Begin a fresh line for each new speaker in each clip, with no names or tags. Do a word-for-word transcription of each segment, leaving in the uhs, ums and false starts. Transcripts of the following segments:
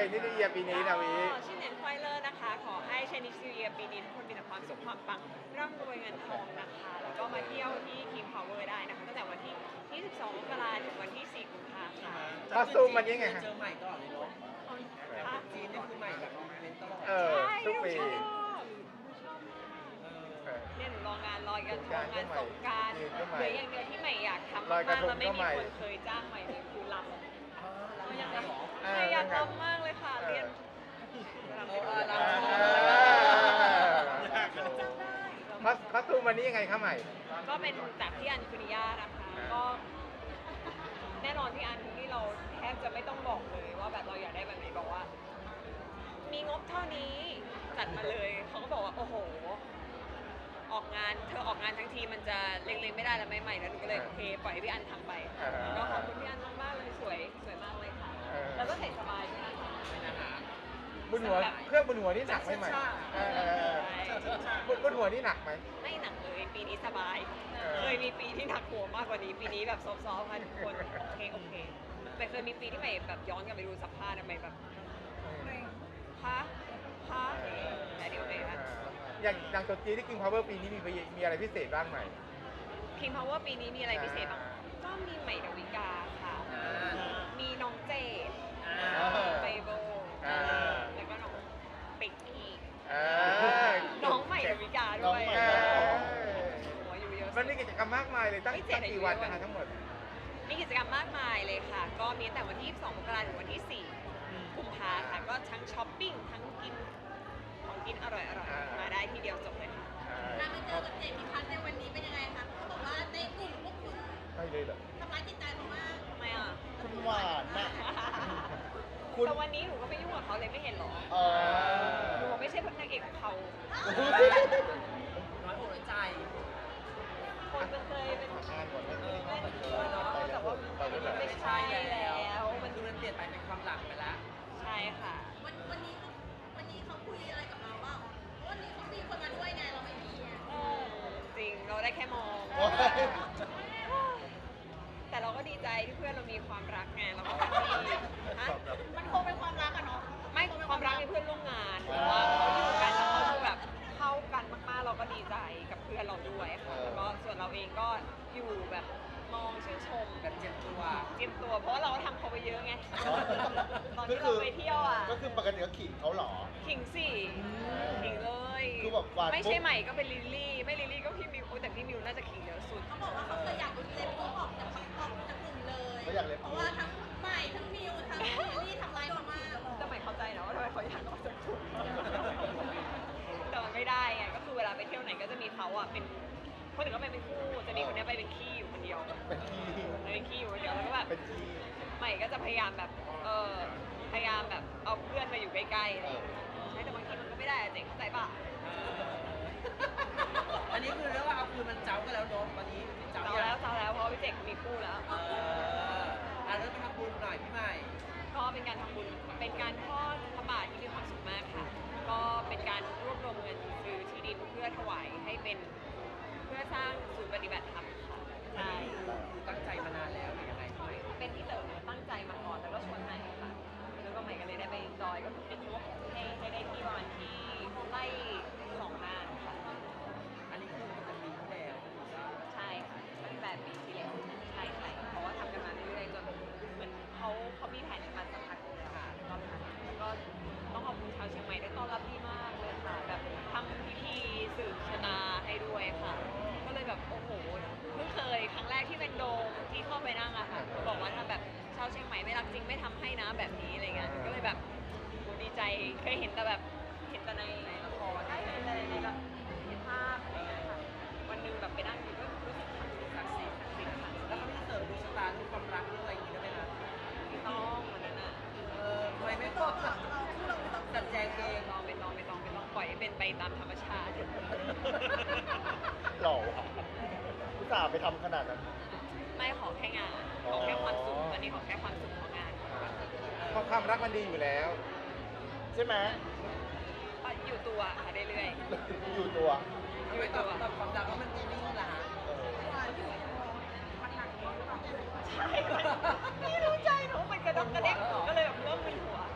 นิสเยียปีนี้นะวิ
ชื่อเน้นไฟเลอร์นะคะขอให้ชนิสเยียปีนี้ทุกคนมีแต่ความสุขความปังร่ำรวยเงินทองนะคะแล้วก็มาเที่ยวที่ King Power ได้นะคะตั้งแต่วันที่ยี่สิบสองมกราคมถึงวันที่สี่กุมภาพันธ์ค่ะ
คอสตูมมันยังไงฮะ
เจอใหม่ตลอดเลยเนาะ
ค่ะ
จีนนี่คือใหม่แบบอีเวนต์ตลอด
เออ
ใช่
ทุกปี
หนูชอบหนูชอบมาก
เออ
เนี่ยหนูรองานลอยกระทงงานสงกราร
จีนก็ใหม่
เหลืออย่างเดียวที่ใหม่อยากทำ
ลอยกระ
มาก
ทง
แล้วไม่
ก็
มี
ใหม่
คนเคยจ้างใหม่เลยคือลำ
อ๋อแล้วยังไงหรอ
เอ
ใหม่
อ
อยากรำมากเลยค่ะเรียนรำ
เอ
ไป
อ
ด้วย
รำ
เออคอสคอสตูมวันนี้ยังไงคะใหม่
ก็เป็นจากที่อันคุนิยานะคะ ก็แน่นอนที่อันนี่เราแทบจะไม่ต้องบอกเลยว่าแบบเราอยากได้แบบไหนบอกว่า มีงบเท่านี้จัดมาเลยเขาก็บอกว่าโอ้โห ออกงานเธอออกงานทั้งทีมันจะเล็งๆไม่ได้แล้วไม่ใหม่แล้วหนูก็เลยโอเคปล่อยให้พี่อันทำไป
เออ
ก็ขอบคุณพี่อันมากๆเลยสวยสวยมากเลยค่ะ
เออ
แล้วก็ใส่สบายด้วยนะคะ
บนหัวเครื่องบนหัวนี่หนักไหมใหม่เออเออเออบนบนหัวนี่หนักไหม
ไม่หนักเลยปีนี้สบาย
เออ
เคยมีปีที่หนักหัวมากกว่านี้ ปีนี้แบบซอฟต์ๆค่ะทุกคนโอเคโอเคแต่เคยมีปีที่ใหม่แบบย้อนกลับไปดูสัมภาษณ์อะใหม่แบบฮะฮะแต่เดี๋ยวเลยค่ะ
อย่างอย่างตัวจีนที่ King Power ปีนี้มีมีอะไรพิเศษบ้างใหม่
King Power ปีนี้มีอะไรพิเศษบ้างก็มีใหม่ดาวิกาค่ะ มีน้องเจด
อ่า
ไบโบ
อ่า
แล้วก็น้องเป็กกี้
เออ
น้องใหม่ดาวิกาด้วย
เออ
หัวอยู่เยอะ
มันมีกิจกรรมมากมายเลยตั้ง
ไม่เจ็
ตั้
ด
งกี่วันนะคะทั้งหมด
มีกิจกรรมมากมายเลยค่ะ ก็มีตั้งแต่วันที่ยี่สิบสองมกราคมถึงวันที่สี่กุมภาค่ะ ก็ทั้งช้อปปิ้ง ทั้งกินของกินอร่อย
อ่า
ๆ มาได้ทีเดียวจบเลยค่ะ
การไปเจอกับเจมี่พัทในวันนี้เป็นยังไงคะเขาบอกว่าในกลุ่มพวกคุณ
ไม่เลยเหรอ
ทำร้ายจิตใจเขามาก
ทำไมอ่ะ
คุณหวานนะ คุณ
แต่วันนี้หนูก็ไม่ยุ่งกับเขาเลยไม่เห็นหรอ
เออ
หนูไม่ใช่พระนางเอกของเขา
น้อยอกน้อยใจ
คนมันเคยเป็น
อ่านก่อนนะ
เล่นเออแต่ว่ามันไม่ใช่แล้วมัน
คือมันเปลี่ยนไปเป็นความหลังไปแล้ว
ใช่ค่ะ
วันวันนี้เขาวันนี้เขาคุยอะไรกับเราบ้างเพราะวันนี้เขามีคนมาด้วยไงเราไม่มีไง
เออจริงเราได้แค่มอง
โอ้ย
แต่เราก็ดีใจที่เพื่อนเรามีความรักไงเราก็แฮปปี้ฮะ
มันคงเป็นความรักอะเนาะ
ไม่ความรักในเพื่อนร่วมงานเพราะว่าเขาอยู่กันแล้วเขาคือแบบเข้ากันมากๆเราก็ดีใจกับเพื่อนเราด้วยค่ะแล้วก็ส่วนเราเองก็อยู่แบบมองชื่นชม
แบบเจ็บตัว
เจียมตัว เพราะว่าเราก็ทำเขาไปเยอะไงตอน
ก็
ที่
คื
เราไปเที่ยวอ่ะ
ก็คือปกติก็ขิงเขาเหรอ
ขิงสิขิงเลย
คือแบบหวานปุ๊บ
ไม่ใช่ใหม่ก็เป็นลิลลี่ ไม่ลิลลี่ก็พี่มิวโอ้แต่พี่มิวน่าจะขิงเยอะสุด
เขาบอกว่าเขาเคยอยากเอาเจมี่ออกจากออกจากกลุ่มเลย
เขาอยากเล็บ
เพราะว่าทั้งใหม่ทั้งมิวทั้งลิลลี่ทำร้ายเขามาก
แต่ใหม่เข้าใจนะว่าทำไมเขาอยากออกจากกลุ่มแต่มันไม่ได้ไงก็คือเวลาไปเที่ยวไหนก็จะมีเขาอ่ะเป็นคนอื่นก็ไปเป็นคู่จะมีคนเนี้ยไปเป็นขี้อยู่คนเดียว
เป็นขี้
ไปเป็นขี้อยู่คนเดียวแล้วก็แบบ
เป็นขี้
ใหม่ก็จะพยายามแบบเออพยายามแบบเอาเพื่อนมาอยู่ใกล้ๆอะไรอย่างเงี้ยใช่แต่บางทีมันก็ไม่ได้อะเจ๊เข้าใจป่ะ
อันนี้คือเรียกว่าเอาคืนมันเจ้ากันแล้วเนาะวันนี้เจ้า
เจ้าแล้วเจ้าแล้วเพราะว่าพี่เจ๊มีคู่แล้ว
เอออ่ะเริ่มไปทำบุญหน่อยพี่ใหม่
ก็เป็นการทำบุญ เป็นการทอดพระบาทที่มีความสุขมากค่ะ ก็เป็นการรวบรวมเงินซื้อที่ดินเพื่อถวายให้เป็นเพื่อสร้างศูนย์ปฏิบัติธรรมค่ะใช่
คือตั้งใจมานานแล้วหรือยังไงพี่ใหม่
เป็นที่เต๋อตั้งใจมาก่อนแล้วก็ชวนใหม่ค่ะ แล้วก็ใหม่ก็เลยได้ไปจอยก็คือเป็นงบให้ให้ได้ที่ประมาณที่ไล่สองงานค่ะ
อันนี้คือมันจะมีที่แล้ว
ใช่ค่ะตั้งแต่ปีที่แล้วใช่ใช่เพราะว่าทำกันมาเรื่อยๆจนเหมันเขาเขามีแผนกันมาสักพักหนึงแล้วค่ะก็แล้วก็ต้องขอบคุณชาวเชียงใหม่ได้ต้อนรับดีมากเลยค่ะ แบบทำพิธีสืบชะตาให้ด้วยค่ะ ก็เลยแบบโอ้โหเพิ่งเคยครั้งแรกที่เป็นโดมที่เข้าไปนั่งอะค่ะบอกว่าถ้าแบบชาวเชียงใหม่ไม่รักจริงไม่ทำให้นะแบบนี้อะไรเงี้ยก็เลยแบบโหดีใจเคยเห็นแต่แบบเห็นแต่ในละครได้เห็นแต่ในแบบเห็นภาพอะไรเงี้ยค่ะวันหนึงแบบไปนั่งอยู่ก็รู้สึกศักดิ์สิทธิ์ศักดิ์สิทธิ์ค่ะ
แล้วเขาไม่ได้เสริมดวงชะตาเรื่องความรักเรื่องอะไรอย่างงี้ได้ไหมคะ
ไม่ต้องวันนั้นอ่ะ
เออทำไมไม่ต้องจัดแจงเอ
ไม่
ง
ต้องไม่ต้องไม่ต้องไม่ต้องปล่อยให้เป็นไปตามธรรมชาติ
หล่อว่ะอุตส่าห์ไปทำขนาดนั้น
ไม่ขอแค่งานขอแค่ความสุขตอนนี้ขอแค่ความสุขของงาน
เพราะความรักมันดีอยู่แล้ว
ใช่ไหม
ก็อยู่ตัวค่ะเรื่อย
อยู่ตัว
ทำไมตอบตอบความรักว่ามันดีนิ่งล่ะฮะ
เออ
ๆใช่นี่รู้ใจหนูมันกระดกกระเด็กหนูก็เลยแบบเริ่มมึนหัว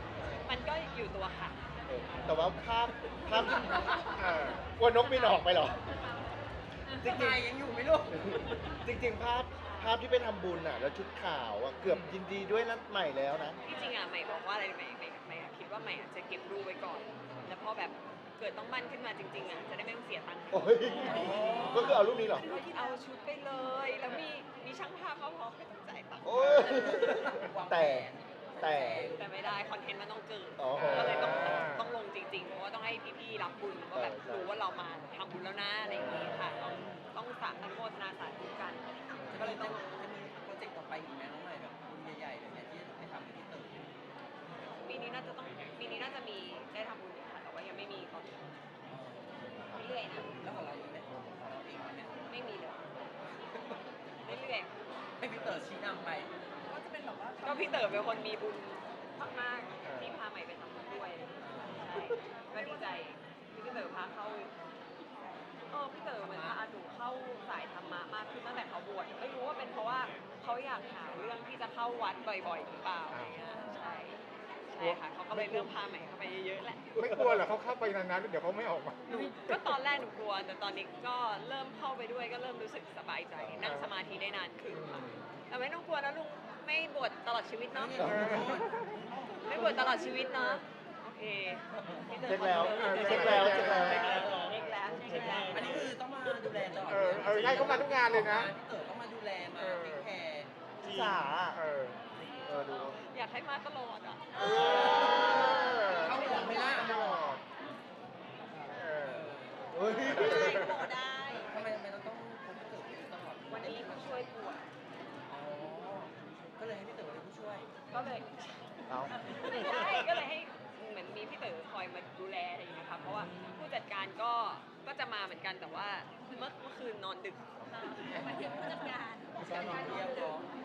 มันก็อยู่ตัวค่ะ
เออแต่ว่าภาพภาพที่
เออก
ลัวนกบินออกไปเหรอ จริง
ทำไมยังอยู่ไม่รู้
ๆจริง ๆ ภาพภาพที่ไปทำบุญอ่ะ แล้วชุดขาวอ่ะเกือบยินดีด้วยนัดใหม่แล้วนะ
ที่จริงอ่ะใหม่บอกว่าอะไรใหม่ใหม่ใหม่อะคิดว่าใหม่อะจะเก็บรูปไว้ก่อน แล้วพอแบบเกิดต้องมั่นขึ้นมาจริงๆอ่ะจะได้ไม่ต้องเสียตังค์
โอ้ยก็คือเอารูปนี้เหรอ
ก็เอาชุดไปเลย แล้วมีมีช่างภาพเขาพร้อมไม่ต้องจ่ายตังค์
โอ้ยแต่แต่
แต่ไม่ได้คอนเทนต์มันต้องเกิด
อ๋อ
ก็เลยต้องต้องลงจริงๆ เพราะว่าต้องให้พี่ๆรับบุญว่าแบบ
ใช่
รู้ว่าเรามาทำบุญแล้วนะอะไรอย่างนี้ค่ะ ต้องต้องสาอนุโมทนาสาธุกัน
ก็เลยต้องจะมีโปรเจกต์ต่อไปอีกไหมน้องใหม่แบบบุญใหญ่ๆเลยเนี่ยที่ไปทำกับพี่เต๋อ
ปีนี้น่าจะต้องปีนี้น่าจะมีได้ทำบุญอยู่ค่ะ แต่ว่ายังไม่มีตอนนี้เรื่อยๆนะ
แล้วของเรามีไหมของเราเองมีไหม
ไม่มีเลยเรื่อย
ให้พี่เต๋อชี้นำไป
ก็จะเป็นแบบว่า
ๆก็พี่เต๋อเป็นคนมีบุญมากๆที่พาใหม่ไปทำบุญด้วยใช่ก็ดีใจที่พี่เต๋อพาเข้าเออพี่เต๋อเหมือนพาหนูเข้าสายธรรมะมากขึ้นตั้งแต่เขาบวชไม่รู้ว่าเป็นเพราะว่าเขาอยากหาเรื่องที่จะเข้าวัดบ่อยๆหรือเปล่าอะไรเงี้ยใช่ใช่ค่ะเขาก็เลยเริ่มพาใหม่เข้าไปเยอะๆแหละ
ไม่กลัวเหรอเขาเข้าไปนานๆเดี๋ยวเขาไม่ออกมา
หนูก็ตอนแรกหนูกลัว แต่ตอนนี้ก็เริ่มเข้าไปด้วยก็เริ่มรู้สึกสบายใจ นั่งสมาธิได้นานขึ้นค่ะแต่ไม่ต้องกลัวนะลุงไม่บวชตลอดชีวิตเนาะ
เออ
ไม่บวชตลอดชีวิตเนาะโอเคพี่ต๋อ
เช็คแล้ว
คอนฟิร์ม
เช็คแล้วเช็คแล้ว
เช็คแล้วเช็คแล้วเช็คแล้ว
อันนี้คือต้องมาดูแลตลอด
เออเออใช่เขามาทุกงานเลยนะ
พี่เต๋อต้องมาดูแลมาเทคแคร์
สา
เออ
เออดู
อยากให้มาตลอดอ่ะ
เออ
เข้าหัวไม่ล่ะ
ตลอดเออ
เฮ้ย
ได้โบได้
ทำไมทำไมเราต้องพบพี่เต๋ออยู่ตลอด
วันนี้ผู้ช่วยบวช
อ๋อก็เลยให้พี่เต๋อเป็นผู้ช่วย
ก็เลย
เอา
ไม่ใช่ก็เลยให้เหมือนมีพี่เต๋อคอยมาดูแลอะไรอย่างเงี้ยค่ะเพราะว่าผู้จัดการก็ก็จะมาเหมือนกันแต่ว่าเมื่อเมื่อคืนนอนดึก
มาถึงผู้จัดการ
การนอนเที่ยวก็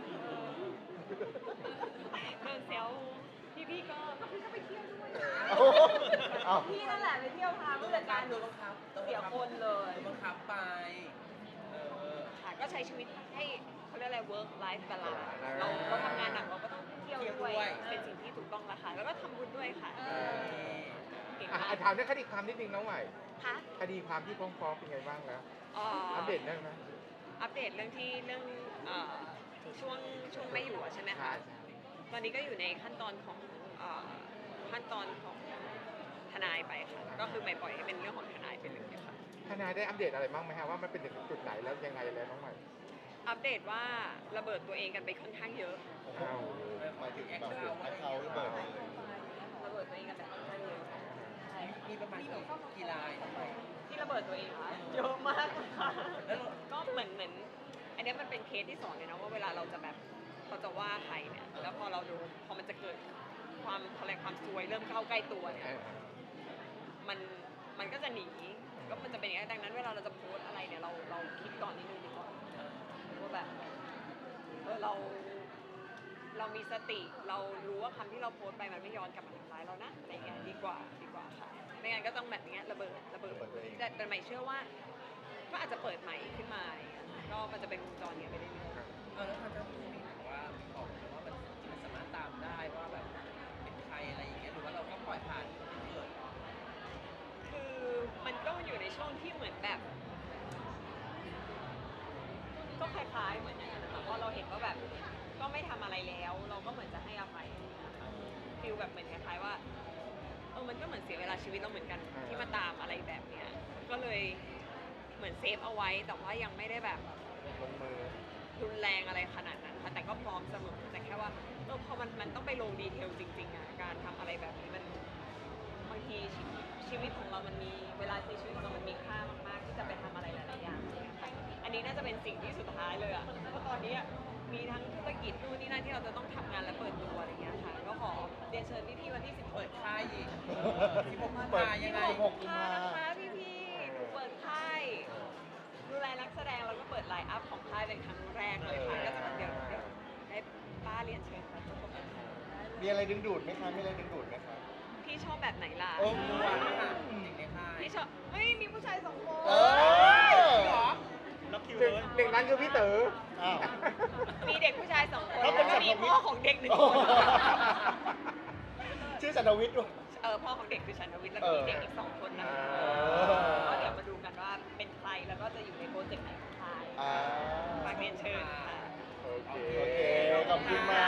เดินเซลพี่พี่ๆก็ก็พี่ก็ไปเที่ยวด้วย
เอาเอา
พี่นั่นแหละไปเที่ยวพาผู้จัดการ
โดนบังคับ
เสียคนเลย
โดนบังคับไปเออ
ค่ะก็ใช้ชีวิตให้เขาเรียกอะไร work life balance เราเราทำงานหนักเราก็ต้องเที่ยวด้วยเป็นสิ่งที่ถูกต้องละค่ะแล้วก็ทำบุญด้วยค่ะเก่ง
อ่ะ
มาก
อ่ะถามเรื่องคดีความนิดนึงน้องใหม่
ค่ะ
คดีความที่ฟ้องๆเป็นไงบ้างแล้ว
เอ่อ
อัปเดตได้ไหม
อัปเดตเรื่องที่เรื่องเอ่อช่วงช่วงไม่อยู่อะใช่ไหมคะตอนนี้ก็อยู่ในขั้นตอนของเอ่อขั้นตอนของทนายไปค่ะก็คือไม่ปล่อยให้เป็นเรื่องของทนายไปเลยค่ะ
ทนายได้อัปเดตอะไรบ้างไหมฮะว่ามันเป็นถึงจุดไหนแล้วยังไงแล้วน้องใหม่
อัปเดตว่าระเบิดตัวเองกันไปค่อนข้างเยอะ
อ้าว
หมายถึงแบบให้เขาระเบิดเลย
ระเบิดตัวเองกันไปค่อนข้างเยอะใช่
มีประมาณกี่กี่ลายทำไม
ที่ระเบิดตัวเองค่ะเยอะมากค่ะ
แล้วเรา
ก็เหมือนเหมือนอันเนี้ยมันเป็นเคสที่สอนเลยนะว่าเวลาเราจะแบบเราจะว่าใครเนี่ยแล้วพอเราดูพอมันจะเกิดความอะไรความซวยเริ่มเข้าใกล้ตัวเนี่ย
เออ
มันมันก็จะหนีก็มันจะเป็นอย่างนี้นดังนั้นเวลาเราจะโพสต์อะไรเนี่ยเราเราคิดก่อนนิดนึงดีกว่าว่าแบบเออเรา เรามีสติเรารู้ว่าคำที่เราโพสต์ไปมันไม่ย้อนกลับมาทำร้ายเรานะอะไรเงี้ยดีกว่าดีกว่าค่ะไม่งั้นก็ต้องแบบเนี้ยระเบิดระเบิด
ระเบิดตัวเอง
แต่แต่ใหม่เชื่อว่าก็อาจจะเปิดใหม่ขึ้นมาอะไรเงี้ยก็มันจะเป็นวงจรเนี้ยไปเรื่อย
เออแล้วทางเจ้าหน้าที่บอกว่าบอกเลยว่ามันมันสามารถตามได้ว่าแบบเป็นใครอะไรอย่างเงี้ยหรือว่าเราก็ปล่อยผ่านคนที่เกิด
ๆคือมันก็อยู่ในช่วงที่เหมือนแบบ ก็คล้ายๆเหมือนอย่างนั้นนะคะเพราะเราเห็นว่าแบบก็ไม่ทำอะไรแล้ว เราก็เหมือนจะให้อภัยฟิลแบบเหมือนคล้ายๆว่าเออมันก็เหมือนเสียเวลาชีวิตเราเหมือนกันที่มาตามอะไรแบบเนี้ยก็เลยเหมือนเซฟเอาไว้แต่ว่ายังไม่ได้แบบ
ลงมือ
รุนแรงอะไรขนาดนั้นค่ะแต่ก็พร้อมเสมอแต่แค่ว่าเออพอมันมันต้องไปลงดีเทลจริงๆอ่ะการทำอะไรแบบนี้มันบางทีชีวิตชีวิตของเรามันมีเวลาในชีวิตของเรามันมีค่ามากๆที่จะไปทำอะไรหลายๆอย่างค่ะอันนี้น่าจะเป็นสิ่งที่สุดท้ายเลยอ่ะเพราะตอนนี้อะมีทั้งธุรกิจนู่นนี่นั่นที่เราจะต้องทำงานและเปิดตัวอะไรเงี้ยค่ะก็ขอเรียนเชิญพี่ๆวันที่สิบ
เปิ
เปิ
ด
ด
ค่ายอีกที่ผม
เปิด
มายังไง
หกกุม
ค่ะ
ภา
นะคะพี่ๆหนูเปิดค่ายดูแลนักแสดงแล้วก็เปิดไลน์อัพของค่ายเป็นครั้งแรกเลยค่ะก็จะเดี๋ยวเดี๋ยวให้ป้าเรียนเชิญค่ะทุกคน
มีอะไรดึงดูดไหมคะ มีอะไรดึงดูดไหมคะ
พี่ชอบแบบไหนล่ะ
โอ้
ตัวค่ะเด็กในค่าย
พี่ชอบเฮ้ยมีผู้ชายสองคน
เออ
เหรอ
หนึ่งหนึ่งนั้นคือพี่เต๋อ
อ้าว
มีเด็กผู้ชายสองคน
เขาเป็
แล้ว
น
ก็มี
สัตว์
พ่อของเด็กหนึ่งคน
ชื่อสันทวิทย์ด้วย
เออพ่อของเด็กคือชันทวิทย์แล้ว
เอ
ก็
อ
มีเด็กอีกสองคนนะ
อ่า
ก็เดี๋ยวมาดูกันว่าเป็นใครแล้วก็จะอยู่ในโปรเจกต์ไหนของใคร
อ่า
ฝากเรียนเชิญค่ะ
โอเค โอเค ขอบคุณมาก